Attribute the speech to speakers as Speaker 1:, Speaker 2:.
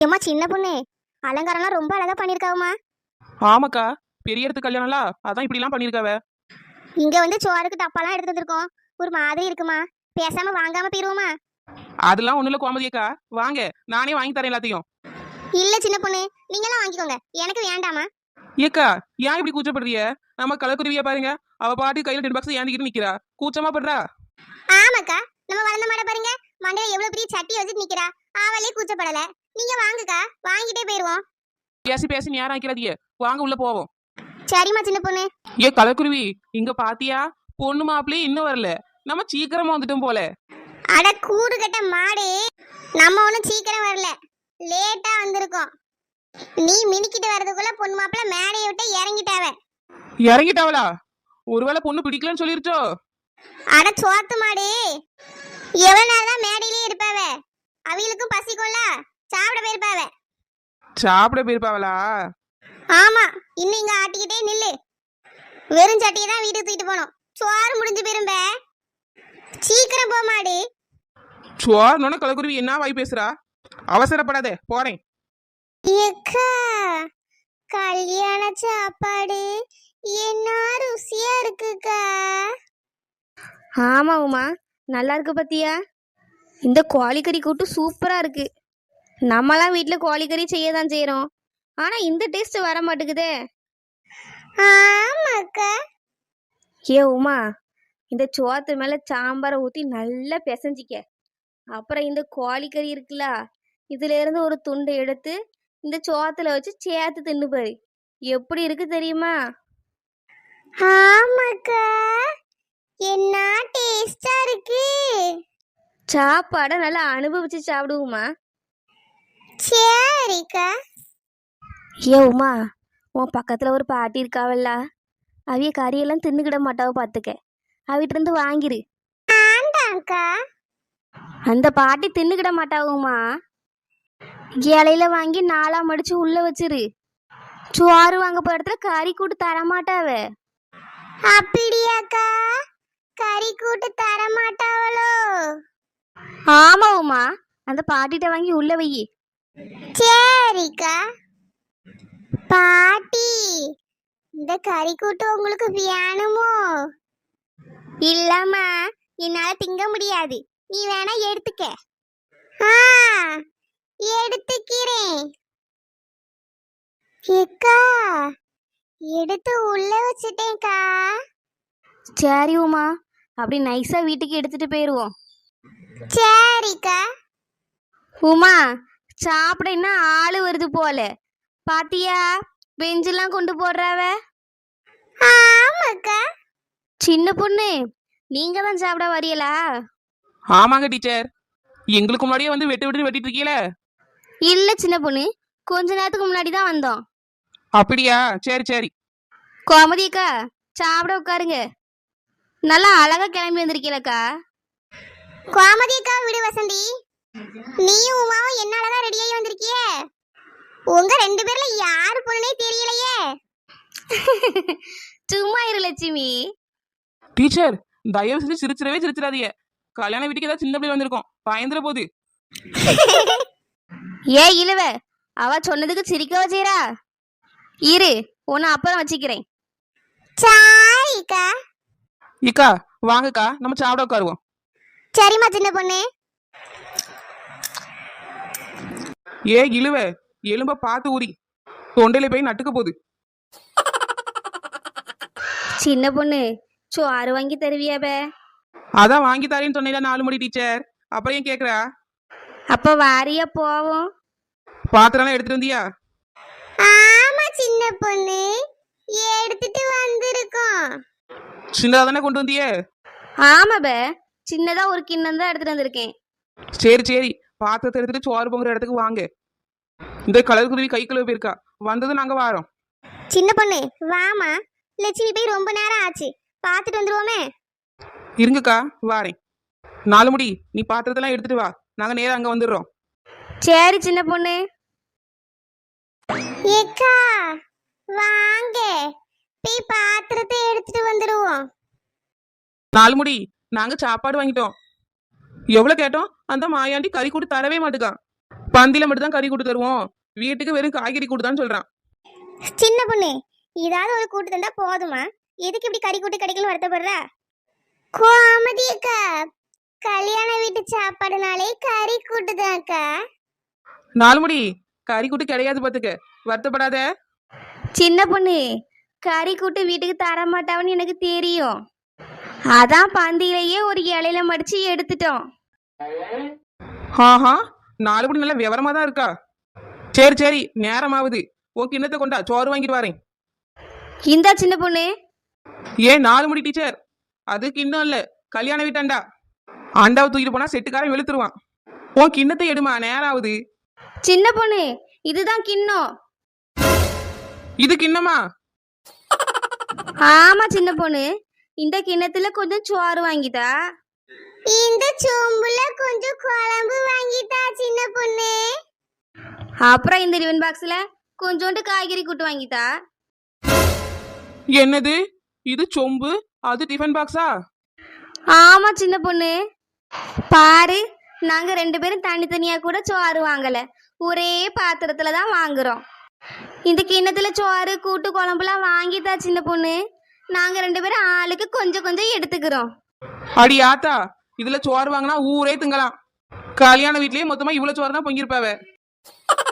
Speaker 1: ஏம்மா சின்ன பொண்ணு, அலங்காரம்லாம் ரொம்ப அழகா பண்ணிருக்காவம்மா.
Speaker 2: ஆமாக்கா, பெரிய இடத்து கல்யாணம்ல, அதான் இப்படிலாம் பண்ணிருக்காவ.
Speaker 1: இங்க வந்து சோறுக்கு டப்பாலாம் எடுத்து வந்திருக்கோம். ஒரு மாதிரி இருக்குமா, பேசாம வாங்காம போயிருவோமா?
Speaker 2: அதெல்லாம் ஒண்ணுல கோமதியக்கா, வாங்க நானே வாங்கி தரேன் எல்லாத்தையும்.
Speaker 1: இல்ல சின்ன பொண்ணு, நீங்களாம் வாங்கிக்கோங்க, எனக்கு வேண்டாமா.
Speaker 2: ஏக்கா, ஏன் இப்படி கூச்சப்படுறிய? நம்ம கலக்குருவிய பாருங்க, அவ பாட்டு கையில டென் பாக்ஸ் ஏந்திக்கிட்டு நிக்கிறா, கூச்சமா படுறா.
Speaker 1: ஆமாக்கா, நம்ம வளர்ந்த மாட பாருங்க, மண்டையில எவ்வளவு பெரிய சட்டி வச்சுட்டு நிக்கிறா. ஆவலே கூச்சப்படல. நீங்க வாங்குக்கா, வாங்கிட்டே போயிருவோம்.
Speaker 2: பேசி பேசி நேரம் ஆக்கிறாதிய, வாங்க உள்ள போவோம்.
Speaker 1: சரிம்மா சின்ன பொண்ணு.
Speaker 2: ஏ கலக்குருவி, இங்க பாத்தியா? பொண்ணு மாப்பிள்ளையே இன்னும் வரல, நம்ம சீக்கிரமா வந்துட்டோம் போல.
Speaker 1: அட கூடு கட்ட மாடு, நம்ம ஒன்றும் சீக்கிரம் வரல, லேட்டா வந்திருக்கோம். நீ மினிக்கிட்டு வர்றதுக்குள்ள பொண்ணு மாப்பிள்ள மேடையை விட்டு இறங்கிட்டாவ.
Speaker 2: இறங்கிட்டாவளா? ஒருவேளை பொண்ணு பிடிக்கலன்னு சொல்லிருச்சோ?
Speaker 1: அட சோத்து மாடு, எவ்வளவு நேரம் தான் மேடையிலே இருப்பாவ? அவிகளுக்கும் பசிக்கும்ல, சாப்பிட போயிருப்பாவ.
Speaker 2: சாப்பிட போயிருப்பாவளா?
Speaker 1: ஆமா, இன்னும் இங்க ஆட்டிக்கிட்டே நில்லு. வெறும் சட்டியை தான் வீட்டுக்கு தூக்கிட்டு போனோம், சோறு முடிஞ்சு போயிரும்ப. சீக்கிரம் போ மாடு.
Speaker 2: சோர்னோட கலக்குருவி என்ன வாய் பேசுறா? அவசரப்படாத, போறேன்.
Speaker 1: ஏக்கா, கல்யாண சாப்பாடு என்ன ருசியா இருக்குக்கா.
Speaker 3: ஆமா உமா, நல்லா இருக்கு பத்தியா? இந்த கோழிக்கறி கூட்டு சூப்பரா இருக்கு. நம்மளாம் வீட்டில் கோழிக்கறி செய்ய தான் செய்கிறோம், ஆனால் இந்த டேஸ்ட் வர மாட்டேங்குதே.
Speaker 1: ஆமாக்கா.
Speaker 3: ஏ உமா, இந்த சோத்து மேலே சாம்பாரை ஊற்றி நல்லா பிசைஞ்சிக்க. அப்புறம் இந்த கோழிக்கறி இருக்குல்ல, இதுல இருந்து ஒரு துண்டை எடுத்து இந்த சோத்துல வச்சு சேர்த்து தின்னு பாரு, எப்படி இருக்கு தெரியுமா?
Speaker 1: ஆமாக்கா, என்ன டேஸ்டா இருக்கு.
Speaker 3: சாப்பாடை நல்லா அனுபவிச்சு சாப்பிடுவோமா?
Speaker 1: சரிக்கா.
Speaker 3: ஏ உமா, உன் பக்கத்தில் ஒரு பாட்டி இருக்காவல்ல, அவிய கறியெல்லாம் தின்னுக்கிட மாட்டாவ பார்த்துக்க, அவிட்ட இருந்து வாங்கிரு.
Speaker 1: வேண்டாம்க்கா.
Speaker 3: அந்த பாட்டி தின்னுக்கிட மாட்டாவுமா, இலையில வாங்கி நாளா மடிச்சு உள்ள வச்சிரு. சோறு வாங்க போற இடத்துல கறி கூட்டு தரமாட்டாவ.
Speaker 1: அப்படியாக்கா, கறி கூட்டு தர மாட்டாவளோ?
Speaker 3: ஆமா உமா, அந்த பாட்டிட்ட வாங்கி உள்ள வை.
Speaker 1: சரிக்கா. பாட்டி, இந்த கறி கூட்டு உங்களுக்கு வேணுமோ? இல்லம்மா, என்னால திங்க முடியாது, நீ வேணா எடுத்துக்க. ஆ, எடுத்துக்கிறேன். ஏக்கா, எடுத்து உள்ள வச்சிட்டேன்க்கா.
Speaker 3: சரி உமா, அப்படி நைஸா வீட்டுக்கு எடுத்துட்டு போயிருவோம்.
Speaker 1: சரிக்கா.
Speaker 3: உமா, சாப்பிட இன்னும் ஆளு வருது போல, பாத்தியா? பெஞ்செல்லாம் கொண்டு போடுறாவ.
Speaker 1: ஆமாக்கா.
Speaker 3: சின்ன பொண்ணு, நீங்க தான் சாப்பிட வரியலா?
Speaker 2: ஆமாங்க டீச்சர், எங்களுக்கு முன்னாடியே வந்து வெட்டு வெட்டு வெட்டிட்டு இருக்கீல.
Speaker 3: இல்ல சின்ன பொண்ணு, கொஞ்ச நேரத்துக்கு முன்னாடி தான் வந்தோம்.
Speaker 2: அப்படியா? சரி சரி.
Speaker 3: கோமதிக்கா, சாப்பிட உட்காருங்க. நல்லா அழகா கிளம்பி வந்திருக்கீலக்கா.
Speaker 1: கோமதிக்கா விடு வசந்தி, நீயும் உமாவும் என்னாலதான் ரெடியாகி வந்திருக்கியே. உங்க ரெண்டு பேர்ல யாரு பொண்ணுனே தெரியலையே.
Speaker 3: சும்மா இரு லட்சுமி.
Speaker 2: டீச்சர், தயவு செஞ்சு சிரிச்சிடாதீங்க. கல்யாண வீட்டுக்கு ஏதாவது சின்ன பிள்ளை வந்திருக்கோம், பயந்துற போகுது.
Speaker 3: ஏ இழுவ, அவ சொன்னதுக்கு சிரிக்கவா செய்றா? இரு, உன்னை அப்புறம் வச்சுக்கிறேன்.
Speaker 1: சரிக்கா.
Speaker 2: இக்கா வாங்கக்கா, நம்ம சாப்பிட உட்காருவோம்.
Speaker 1: சரிம்மா சின்ன பொண்ணு.
Speaker 2: ஏ இழுவ, எலும்ப பார்த்து ஊறி தொண்டையில போய் நட்டுக்க போகுது.
Speaker 3: சின்ன பொண்ணு, சோறு வாங்கி தருவியாப?
Speaker 2: அதான் வாங்கி தரேன்னு சொன்னீங்களா 4 மணி டீச்சர், அப்புறம் ஏன் கேக்குறா?
Speaker 3: அப்ப வாரியா போவோம்.
Speaker 2: பாத்திரம் எடுத்துட்டு வந்தியா?
Speaker 1: ஆமா சின்ன பொண்ணு, எடுத்துட்டு வந்திருக்கோம்.
Speaker 2: சின்னதா தானே கொண்டு வந்தியே?
Speaker 3: ஆமாப, சின்னதா ஒரு கிண்ணம் தான் எடுத்துட்டு வந்திருக்கேன்.
Speaker 2: சரி சரி, பாத்திரத்தை எடுத்துட்டு சோறு பொங்குற இடத்துக்கு வாங்க. இந்த கலர் குருவி கை கழுவி போயிருக்கா, வந்தது நாங்க வாரோம்.
Speaker 1: சின்ன பொண்ணு வாமா, லட்சுமி போய் ரொம்ப நேரம் ஆச்சு, பார்த்துட்டு வந்துருவோமே.
Speaker 2: இருங்கக்கா வாரேன். 4 முடி, நீ பாத்திரத்தெல்லாம் எடுத்துட்டு வா, நாங்க நேரா அங்க வந்துடுறோம்.
Speaker 3: சரி சின்ன பொண்ணு.
Speaker 1: ஏக்கா வாங்க, போய் பாத்திரத்தை எடுத்துட்டு வந்துருவோம்.
Speaker 2: 4 முடி, நாங்க சாப்பாடு வாங்கிட்டோம். எவ்வளவு கேட்டோம், அந்த மாயாண்டி கறி கூட்டு தரவே மாட்டுக்கான். பந்தியில மட்டும் தான் கறி கூட்டு தருவோம், வீட்டுக்கு வெறும் காய்கறி கூட்டுதான்னு சொல்றான்.
Speaker 1: சின்ன பொண்ணு, ஏதாவது ஒரு கூட்டு தந்தா போதுமா? எதுக்கு இப்படி கறி கூட்டு கிடைக்கலன்னு வருத்தப்படுற? கோமதி அக்கா, கல்யாண வீட்டு சாப்பாடுனாலே கறி கூட்டுதான் அக்கா.
Speaker 2: 4 முடி கறி கூட்டு கிடையாது பாத்துக்க, வருத்தப்படாத.
Speaker 3: சின்ன பொண்ணு, கறி கூட்டு வீட்டுக்கு தர மாட்டாவன்னு எனக்கு தெரியும். அதான் பந்தியிலேயே ஒரு இலையில மடிச்சு எடுத்துட்டோம்.
Speaker 2: ஆஹா, 4 முடி நல்ல விவரமா தான் இருக்கா. சரி சரி, நேரமாகுது. உன் கிண்ணத்தை கொண்டா, சோறு வாங்கிட்டு வரேன்.
Speaker 3: இந்தா சின்ன பொண்ணு.
Speaker 2: ஏன் 4 முடி டீச்சர், அது கிண்ணம் இல்ல, கல்யாண வீட்டாண்டா. ஆண்டாவை தூக்கிட்டு போனா செட்டுக்காரன் வெளுத்துருவான். உன் கிண்ணத்தை எடுமா, நேரம் ஆகுது.
Speaker 3: சின்ன பொண்ணு, இதுதான் கிண்ணம்.
Speaker 2: இது கிண்ணமா?
Speaker 3: ஆமா சின்ன பொண்ணு, இந்த கிண்ணத்துல கொஞ்சம் சோறு வாங்கிதா.
Speaker 1: இந்த சொம்புல கொஞ்சம் குழம்பு வாங்கிட்டா சின்ன பொண்ணு.
Speaker 3: அப்புறம் இந்த டிஃபன் பாக்ஸ்ல கொஞ்சோண்டு காய்கறி கூட்டு வாங்கித்தா.
Speaker 2: என்னது, இது சொம்பு, அது டிஃபன் பாக்ஸா?
Speaker 3: ஆமா சின்ன பொண்ணு, பாரு, நாங்க 2 பேரும் தனித்தனியா கூட சோறு வாங்கல, ஒரே பாத்திரத்துல தான் வாங்குறோம். இந்த கிண்ணத்துல சோறு கூட்டு குழம்புலாம் வாங்கித்தா சின்ன பொண்ணு. நாங்க 2 பேரும் ஆளுக்கு கொஞ்சம் கொஞ்சம் எடுத்துக்கிறோம்.
Speaker 2: அடி ஆத்தா, இதுல சோறு வாங்கினா ஊரே திங்கலாம். கல்யாண வீட்லயே மொத்தமா இவ்வளவு சோறு தான் பொங்கிருப்பாவ.